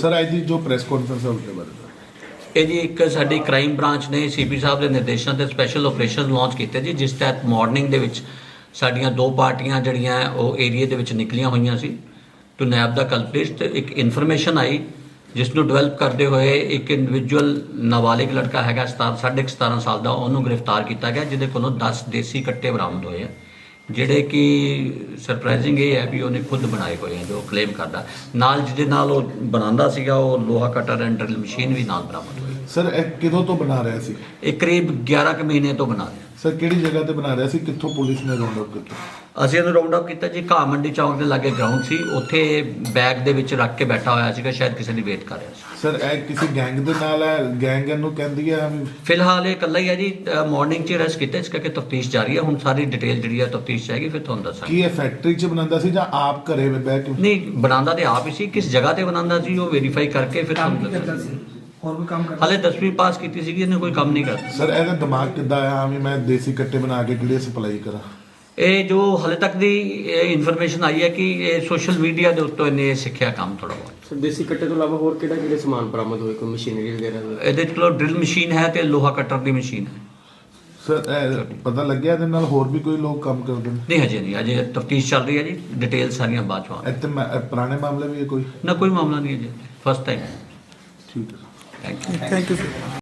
Sir ਅੱਜ ਦੀ ਜੋ press conference ਹੈ ਉਸਦੇ ਬਾਰੇ ਇਹ ਜੀ ਇੱਕ ਸਾਡੀ ਕ੍ਰਾਈਮ ਬ੍ਰਾਂਚ ਨੇ ਸੀਪੀ ਸਾਹਿਬ ਦੇ ਨਿਰਦੇਸ਼ਾਂ ਤੇ ਸਪੈਸ਼ਲ ਆਪਰੇਸ਼ਨ ਲਾਂਚ ਕੀਤੇ ਜੀ, ਜਿਸ ਤਹਿਤ ਮਾਰਨਿੰਗ ਦੇ ਵਿੱਚ ਸਾਡੀਆਂ ਦੋ ਪਾਰਟੀਆਂ ਜਿਹੜੀਆਂ ਉਹ ਏਰੀਏ ਦੇ ਵਿੱਚ ਨਿਕਲੀਆਂ ਹੋਈਆਂ ਸੀ ਟੂ ਨੈਬ ਦਾ ਕਲਪ੍ਰਿਟ। ਤੇ ਇੱਕ ਇਨਫੋਰਮੇਸ਼ਨ ਆਈ ਜਿਸ ਨੂੰ ਡਿਵੈਲਪ ਕਰਦੇ ਹੋਏ ਇੱਕ ਇੰਡੀਵਿਜੂਅਲ ਨਾਬਾਲਿਗ ਲੜਕਾ ਹੈਗਾ 17.5 ਸਾਲ ਦਾ, ਉਹਨੂੰ ਗ੍ਰਿਫਤਾਰ ਕੀਤਾ ਗਿਆ, ਜਿਹਦੇ ਕੋਲੋਂ 10 ਦੇਸੀ ਕੱਟੇ ਬਰਾਮਦ ਹੋਏ ਆ, ਜਿਹੜੇ ਕਿ ਸਰਪ੍ਰਾਈਜ਼ਿੰਗ ਇਹ ਹੈ ਵੀ ਉਹਨੇ ਖੁਦ ਬਣਾਏ ਹੋਏ ਆ, ਜੋ ਕਲੇਮ ਕਰਦਾ। ਨਾਲ ਜਿਹਦੇ ਨਾਲ ਉਹ ਬਣਾਉਂਦਾ ਸੀਗਾ ਉਹ ਲੋਹਾ ਕਟਰ ਐਂਡ ਡਰਿਲ ਮਸ਼ੀਨ ਵੀ ਨਾਲ ਬਰਾਮਦ ਹੋਈ। ਸਰ ਇਹ ਕਿਦੋਂ ਤੋਂ ਬਣਾ ਰਿਹਾ ਸੀ? ਇਹ ਕਰੀਬ 11 ਕੁ ਮਹੀਨੇ ਤੋਂ ਬਣਾ ਰਿਹਾ। ਸਰ ਕਿਹੜੀ ਜਗ੍ਹਾ ਤੇ ਬਣਾ ਰਿਹਾ ਸੀ? ਕਿੱਥੋਂ ਪੁਲਿਸ ਨੇ ਰਾਉਂਡ ਅਪ ਕੀਤਾ? ਅਸੀਂ ਇਹਨੂੰ ਰਾਉਂਡ ਅਪ ਕੀਤਾ ਜੀ, ਘਾਹ ਮੰਡੀ ਚੌਂਕ ਦੇ ਲਾਗੇ ਗਰਾਊਂਡ ਸੀ, ਉੱਥੇ ਬੈਗ ਦੇ ਵਿੱਚ ਰੱਖ ਕੇ ਬੈਠਾ ਹੋਇਆ ਸੀਗਾ, ਸ਼ਾਇਦ ਕਿਸੇ ਦੀ ਵੇਟ ਕਰ ਰਿਹਾ ਸੀ। ਸਰ ਇਹ ਕਿਸੇ ਗੈਂਗ ਦੇ ਨਾਲ ਹੈ? ਗੈਂਗ ਇਹਨੂੰ ਕਹਿੰਦੀ ਹੈ? ਫਿਲਹਾਲ ਇਹ ਇਕੱਲਾ ਹੀ ਹੈ ਜੀ, ਮਾਰਨਿੰਗ 'ਚ ਅਰੈਸਟ ਕੀਤਾ, ਇਸ ਕਰਕੇ ਤਫਤੀਸ਼ ਜਾਰੀ ਹੈ। ਹੁਣ ਸਾਰੀ ਡਿਟੇਲ ਜਿਹੜੀ ਹੈ ਤਫਤੀਸ਼ ਜਾਏਗੀ, ਫਿਰ ਤੁਹਾਨੂੰ ਦੱਸਾਂਗੇ। ਕੀ ਇਹ ਫੈਕਟਰੀ 'ਚ ਬਣਾਉਂਦਾ ਸੀ ਜਾਂ ਆਪ ਘਰੇ ਬਹਿ ਕੇ? ਨਹੀਂ, ਬਣਾਉਂਦਾ ਤੇ ਆਪ ਹੀ ਸੀ, ਕਿਸ ਜਗ੍ਹਾ ਤੇ ਬਣਾਉਂਦਾ ਸੀ ਉਹ ਵੈਰੀਫਾਈ ਕਰਕੇ ਫਿਰ ਤੁਹਾਨੂੰ ਦੱਸਾਂਗੇ। ਹੋਰ ਵੀ ਕੰਮ ਕਰਦਾ? ਹਾਲੇ 10ਵੀਂ ਪਾਸ ਕੀਤੀ ਸੀਗੀ, ਇਹਨੇ ਕੋਈ ਕੰਮ ਨਹੀਂ ਕਰਦਾ। ਸਰ ਇਹਦਾ ਦਿਮਾਗ ਕਿੱਦਾਂ ਆਇਆ ਵੀ ਮੈਂ ਦੇਸੀ ਕੱਟੇ ਬਣਾ ਕੇ ਕਿਹੜੇ ਸਪਲਾਈ ਕਰਾਂ? ਇਹ ਜੋ ਹਾਲੇ ਤੱਕ ਦੀ ਇਨਫੋਰਮੇਸ਼ਨ ਆਈ ਹੈ ਕਿ ਇਹ ਸੋਸ਼ਲ ਮੀਡੀਆ ਦੇ ਉੱਤੋਂ ਇਹਨੇ ਸਿੱਖਿਆ ਕੰਮ ਥੋੜਾ ਬਹੁਤ। ਸਰ ਦੇਸੀ ਕੱਟੇ ਤੋਂ ਇਲਾਵਾ ਹੋਰ ਕਿਹੜੇ ਸਮਾਨ ਬਰਾਮਦ ਹੋਏ, ਕੋਈ ਮਸ਼ੀਨਰੀ ਵਗੈਰਾ? ਇਹਦੇ ਕੋਲ ਡਰਿਲ ਮਸ਼ੀਨ ਹੈ ਤੇ ਲੋਹਾ ਕਟਰ ਦੀ ਮਸ਼ੀਨ ਹੈ। ਸਰ ਇਹ ਪਤਾ ਲੱਗਿਆ ਇਹਦੇ ਨਾਲ ਹੋਰ ਵੀ ਕੋਈ ਲੋਕ ਕੰਮ ਕਰਦੇ ਨੇ? ਨਹੀਂ, ਹਜੇ ਨਹੀਂ, ਅਜੇ ਤਫਤੀਸ਼ ਚੱਲ ਰਹੀ ਹੈ ਜੀ, ਡਿਟੇਲ ਸਾਰੀਆਂ ਬਾਅਦ ਚੋਂ ਆਉਣਗੀਆਂ। ਇੱਥੇ ਪੁਰਾਣੇ ਮਾਮਲੇ ਵੀ ਹੈ ਕੋਈ? ਨਾ, ਕੋਈ ਮਾਮਲਾ ਨਹੀਂ ਹੈ ਜੀ, ਫਸਟ ਟਾਈਮ। ਠੀਕ ਹੈ। Thank you. Thank you, sir.